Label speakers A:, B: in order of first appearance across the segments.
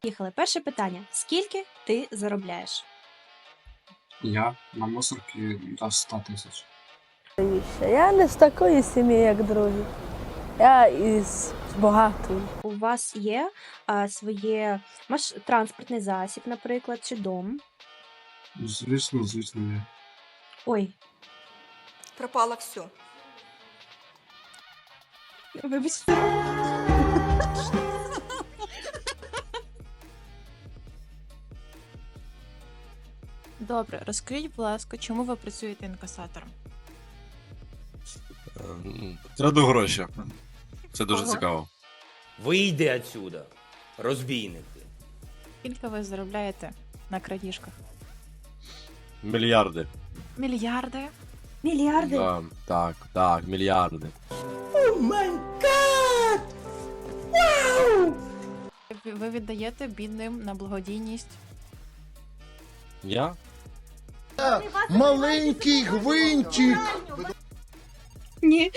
A: Поїхали. Перше питання. Скільки ти заробляєш?
B: Я на мусорці до 100 тисяч.
C: Я не з такої сім'ї, як другі. Я із багатої.
A: У вас є своє транспортний засіб, наприклад, чи дом?
B: Звісно, є.
A: Ой,
D: Пропало все.
A: вибачте.
E: Добре, розкажіть, будь ласка, чому ви працюєте інкасатором?
F: Краду гроші. Це дуже
E: Ага.
F: цікаво.
G: Вийди отсюда, розбійники.
E: Скільки ви заробляєте на крадіжках?
F: Мільярди.
E: Мільярди?
A: Мільярди?
F: Да, так, мільярди.
E: Ви віддаєте бідним на благодійність?
F: Я?
H: Маленький гвинтик.
A: Ні.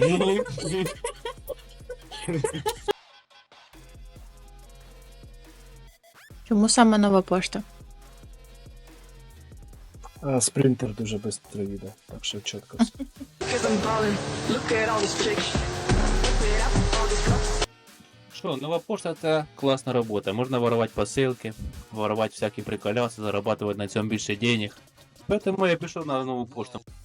E: Чому саме нова пошта?
I: Спринтер дуже швидко їде, так що чітко.
J: Що, нова пошта це класна робота. Можна воровати посилки, воровати всякі приколяси, зарабатувати на цьому більше денег. Тому я пішов на нову пошту.